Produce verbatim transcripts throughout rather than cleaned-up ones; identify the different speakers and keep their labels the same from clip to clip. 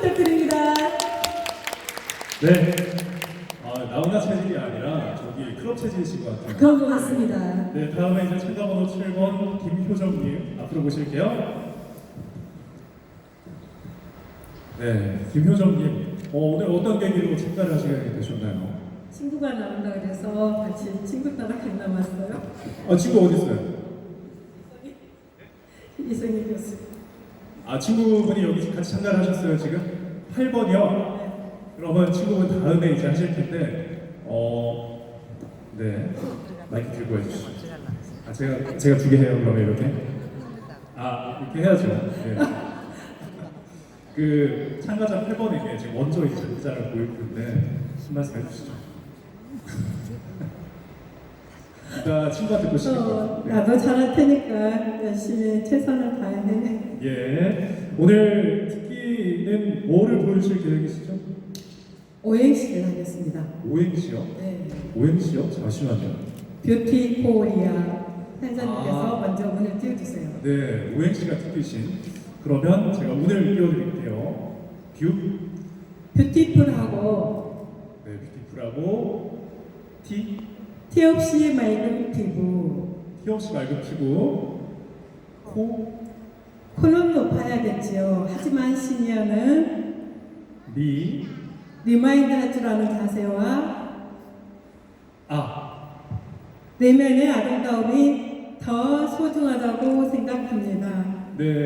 Speaker 1: 부탁드립니다.
Speaker 2: 네. 아, 나훈아 체질이 아니라 저기 클럽 체질이신 것 같아요.
Speaker 1: 그런 것 같습니다.
Speaker 2: 네, 다음에 이제 참가 번호 칠 번 김효정님 앞으로 모실게요. 네, 김효정님. 어, 오늘 어떤 계기로 참가를 하시게 되셨나요?
Speaker 1: 친구가 나온다 그래서 같이 친구 따라 갔나 왔어요.
Speaker 2: 아, 친구 어디 있어요?
Speaker 1: 이승희 교수.
Speaker 2: 아, 친구분이 여기 같이 참가를 하셨어요, 지금? 팔 번이요? 그러면 친구분 다음에 이제 하실 텐데, 어, 네. 마이크 들고 해주시죠. 아, 제가, 제가 두 개 해요, 그러면 이렇게? 아, 이렇게 해야죠. 네. 그, 참가자 팔 번에게 지금 먼저 이제 문자를 보일 텐데, 한 말씀 해주시죠. 이따 친구한테 보시는
Speaker 1: 어,
Speaker 2: 거. 네.
Speaker 1: 나도 잘할 테니까 열심히 최선을 다해.
Speaker 2: 예. 오늘 특기는 뭐를 보여주실 계획이시죠?
Speaker 1: 오행시를 하겠습니다.
Speaker 2: 오행시요?
Speaker 1: 네.
Speaker 2: 오행시요? 잠시만요.
Speaker 1: 뷰티 코리아 한자님께서
Speaker 2: 아.
Speaker 1: 먼저 문을 띄워주세요.
Speaker 2: 네, 오행시가 특기신. 그러면 제가 운을 띄워드릴게요. 뷰,
Speaker 1: 뷰티풀하고
Speaker 2: 네, 뷰티풀하고 티,
Speaker 1: 티 없이 맑은 피부.
Speaker 2: 티 없이 맑은 피부, 코,
Speaker 1: 코는 높아야겠지요. 하지만 시니어는
Speaker 2: 리,
Speaker 1: 리마인드 할 줄 아는 자세와
Speaker 2: 아.
Speaker 1: 내면의 아름다움이 더 소중하다고 생각합니다.
Speaker 2: 네.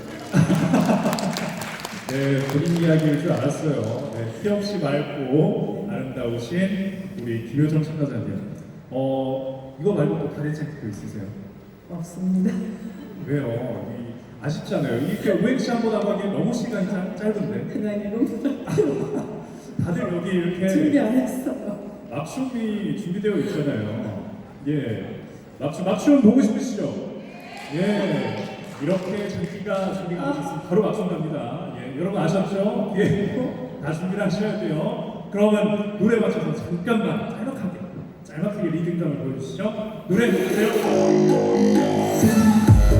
Speaker 2: 네, 본인 이야기일 줄 알았어요. 네, 티 없이 맑고 아름다우신 우리 김효정 참가자님. 어, 이거 말고 또 다른 생각도 있으세요?
Speaker 1: 없습니다.
Speaker 2: 왜요? 이, 아쉽잖아요. 이렇게 오행시 한번 하고 하기엔 너무 시간이 짧, 짧은데.
Speaker 1: 그냥 이런
Speaker 2: 다들 여기 이렇게
Speaker 1: 준비 안 했어요.
Speaker 2: 맞춤이 준비되어 있잖아요. 예. 맞춤, 맞춤 보고 싶으시죠? 예. 이렇게 장기가 준비가 되셨으면 바로 맞춤 갑니다. 예. 여러분 아셨죠? 예. 다 준비를 하셔야 돼요. 그러면 노래 맞춰서 잠깐만 짤막하게, 짤막하게 리듬감을 보여주시죠. 노래 주세요.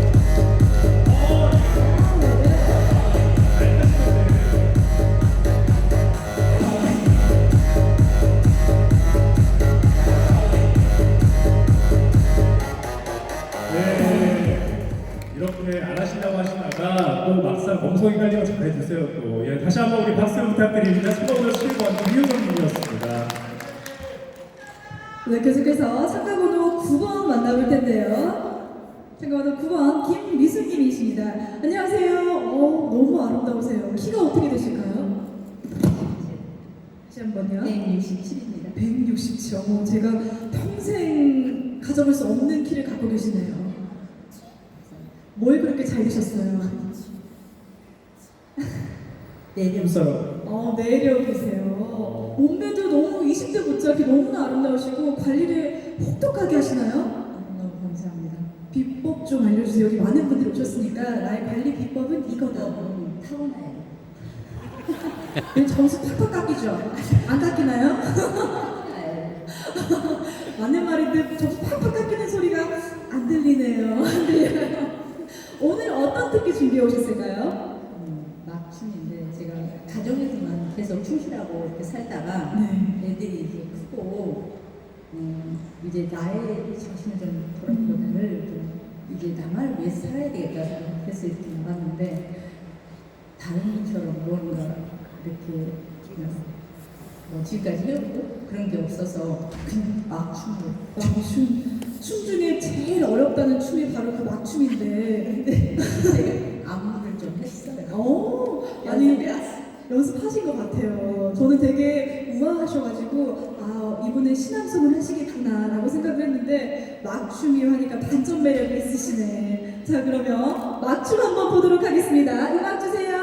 Speaker 2: 이렇게 안 하신다고 하시다가 또 막상 멍석이 깔리면 잘해주세요 또. 예, 다시 한번 우리 박수 부탁드립니다. 수고로 칠 번 김효정님이었습니다.
Speaker 3: 네, 계속해서 참가번호 구 번 만나볼 텐데요. 참가번호 구 번 김미수님이십니다. 안녕하세요. 어, 너무 아름다우세요. 키가 어떻게 되실까요? 다시 한 번요.
Speaker 4: 백육십칠입니다.
Speaker 3: 백육십칠. 어, 제가 평생 가져볼 수 없는 키를 갖고 계시네요. 뭘 그렇게 잘 드셨어요?
Speaker 4: 내년
Speaker 2: 힘싸움.
Speaker 3: 어, 내려 계세요. 몸매도 너무 이십 대 못지않게 너무나 아름다우시고 관리를 혹독하게 하시나요?
Speaker 4: 너무 감사합니다.
Speaker 3: 비법 좀 알려주세요. 여기 많은 분들이 오셨으니까 나의 관리 비법은 이거다.
Speaker 4: 너무 타고나요.
Speaker 3: 이 점수 팍팍 깎이죠? 안 깎이나요?
Speaker 4: 네.
Speaker 3: 맞는 말인데 점수 팍팍 깎이는 소리가 안 들리네요. 안 들려요. 오늘 어떤 특기 준비해 오셨을까요?
Speaker 4: 음, 맞춤인데 제가 가정에서만 계속 충실하고 이렇게 살다가
Speaker 3: 네.
Speaker 4: 애들이 이제 크고 음, 이제 나의 자신을 좀 돌아보다를 좀 이제 나만을 위해 살아야 되겠다 생각해서 이렇게 나갔는데 다른 분처럼 뭔가 이렇게 그냥 뭐 지금까지 해오고 그런 게 없어서 그냥 맞춤으로
Speaker 3: 와, 춤, 춤 중에 제일 어렵다는 춤이 바로 그 막춤인데.
Speaker 4: 제가 안무를 좀 했어요.
Speaker 3: 오, 아니 연습하신 것 같아요. 저는 되게 우아하셔가지고 아 이분은 신앙송을 하시겠구나라고 생각을 했는데 막춤이 하니까 반전 매력이 있으시네. 자 그러면 막춤 한번 보도록 하겠습니다. 음악 주세요.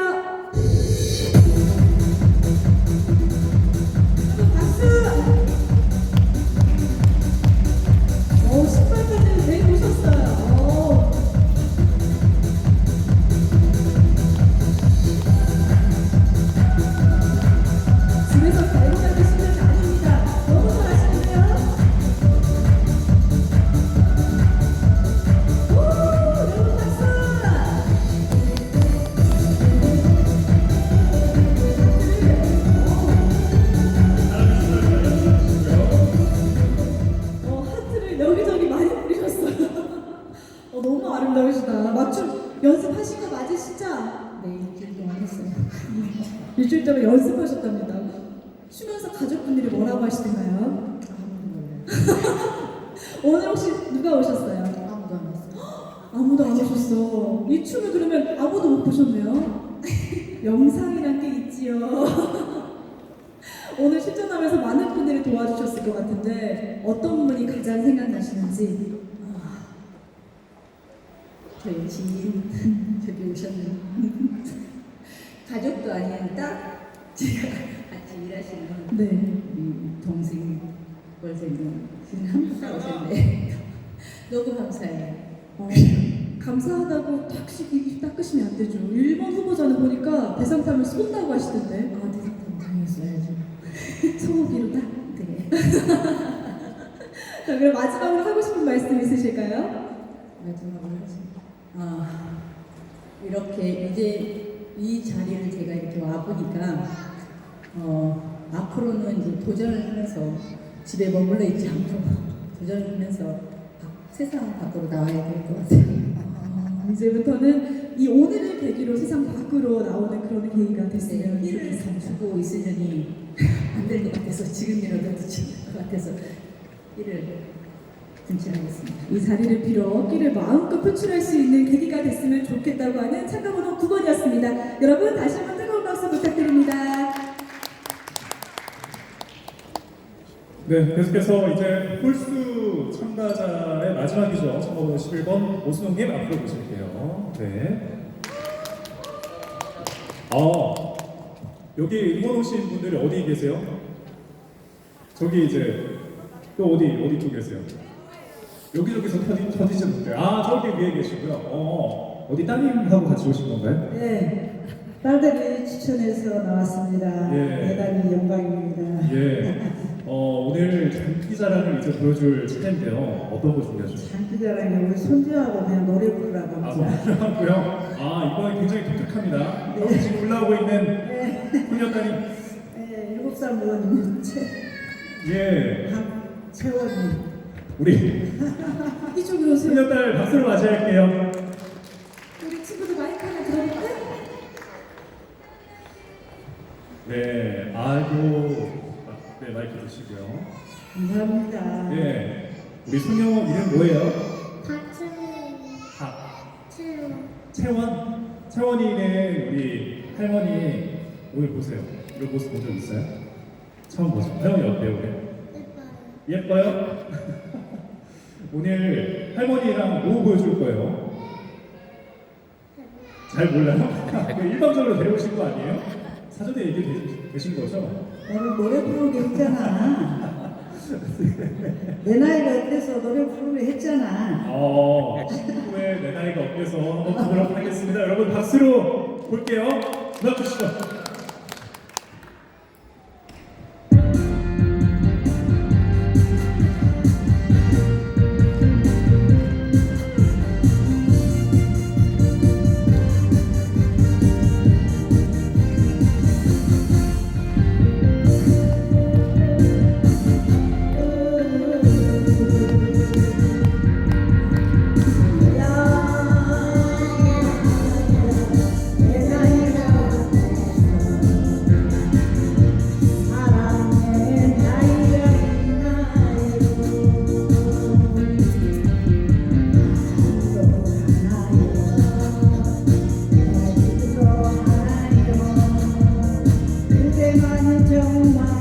Speaker 3: 박수. 오 신발까지 내고 오셨어요. 오. 집에서 달고 다니는 실력이 아닙니다. 너무 잘하시는데요? 오, 여러분 박수! 일주일 동안 연습하셨답니다. 쉬면서 가족분들이 뭐라고 하시던가요?
Speaker 4: 아무도 몰라요.
Speaker 3: 오늘 혹시 누가 오셨어요?
Speaker 4: 아무도 안 왔어요.
Speaker 3: 아무도 안 오셨어. 이 춤을 그러면 아무도 못 보셨네요. 영상이란 게 있지요. 오늘 출전하면서 많은 분들이 도와주셨을 것 같은데 어떤 분이 가장 생각나시는지.
Speaker 4: 아, 저희 지인 저기 오셨네요. 가족도 아닌 딱 제가 같이 일하시는
Speaker 3: 네.
Speaker 4: 우리 동생 월세님 지금 한분 딱 오셨네. 너무 감사해요.
Speaker 3: 어, 감사하다고 탁 입 닦으시면 안 되죠. 일본 후보자는 보니까 대상 타면 쏜다고 하시던데.
Speaker 4: 아, 대상품 당했어야죠.
Speaker 3: 소고기로다.
Speaker 4: 네.
Speaker 3: 자, 그럼 마지막으로 하고 싶은 말씀 있으실까요?
Speaker 4: 마지막으로 하겠습니다. 아, 이렇게 이제 이 자리를 제가 이렇게 와 보니까 어, 앞으로는 이제 도전을 하면서 집에 머물러 있지 않고 도전을 하면서 밖- 세상 밖으로 나와야 될 것 같아요.
Speaker 3: 아, 이제부터는 이 오늘을 계기로 세상 밖으로 나오는 그런 계기가 됐으면
Speaker 4: 네, 일을
Speaker 3: 좋겠습니다.
Speaker 4: 감추고 있으려니 안 될 것 같아서 지금이라도 늦을 것 같아서 일을 분출하겠습니다.
Speaker 3: 이 자리를 빌어 끼를 마음껏 표출할 수 있는 계기가 됐으면 좋겠다고 하는 참가번호 구 번이었습니다. 여러분 다시 한번 뜨거운 박수 부탁드립니다.
Speaker 2: 네, 계속해서 이제 홀수 참가자의 마지막이죠. 참가번호 십일 번 오순홍님 앞으로 모실게요. 네. 아, 여기 응원 오신 분들이 어디 계세요? 저기 이제 또 어디 어디 쪽 계세요? 여기저기서 터지, 터지지 못해요. 아, 저기 위에 계시고요. 어, 어디 따님하고 같이 오신 건가요?
Speaker 5: 네, 딸들이 추천해서 나왔습니다.
Speaker 2: 예.
Speaker 5: 대단히 영광입니다.
Speaker 2: 예. 어, 오늘 장기자랑을 이제 보여줄 차례인데요. 어떤 거 준비하셨어요?
Speaker 5: 장기자랑에 우리 손주하고 그냥 노래 부르라고
Speaker 2: 아,
Speaker 5: 합니다.
Speaker 2: 선물하고요. 아, 이번에 굉장히 독특합니다.
Speaker 5: 네.
Speaker 2: 지금 올라오고 있는
Speaker 5: 네,
Speaker 2: 소녀딸이
Speaker 5: 네, 일곱 살 먹은 채,
Speaker 2: 예,
Speaker 5: 채원이.
Speaker 2: 우리
Speaker 3: 이쪽으로 오세요.
Speaker 2: 소녀딸 박수로 맞이할게요.
Speaker 3: 우리 친구들 마이크 하나 들어볼까?
Speaker 2: 네, 아이고, 아, 네 마이크 주시고요.
Speaker 5: 감사합니다.
Speaker 2: 네, 우리 소녀 이름 뭐예요?
Speaker 6: 박채원,
Speaker 2: 박
Speaker 6: 채원,
Speaker 2: 채원. 채원이는 우리 할머니 오늘 보세요. 이런 모습 본 적 있어요? 처음 보죠. 할머니 어때요 오늘?
Speaker 6: 예뻐요.
Speaker 2: 예뻐요? 오늘 할머니랑 뭐 보여줄 거예요? 잘 몰라요? 일방적으로 데려오신 거 아니에요? 사전에 얘기 되- 되신 거죠?
Speaker 5: 오늘 노래 부르게 했잖아. 내 나이가 어때서 노래 부르게 했잖아.
Speaker 2: 어, 친구의 내 나이가 어때서 한번 보도록 하겠습니다. 여러분 박수로 볼게요. 음악 주시죠.
Speaker 5: 내 나이가 사랑의 나이가 있나요? 또 하나요, 또 하나요. 그대만이 정말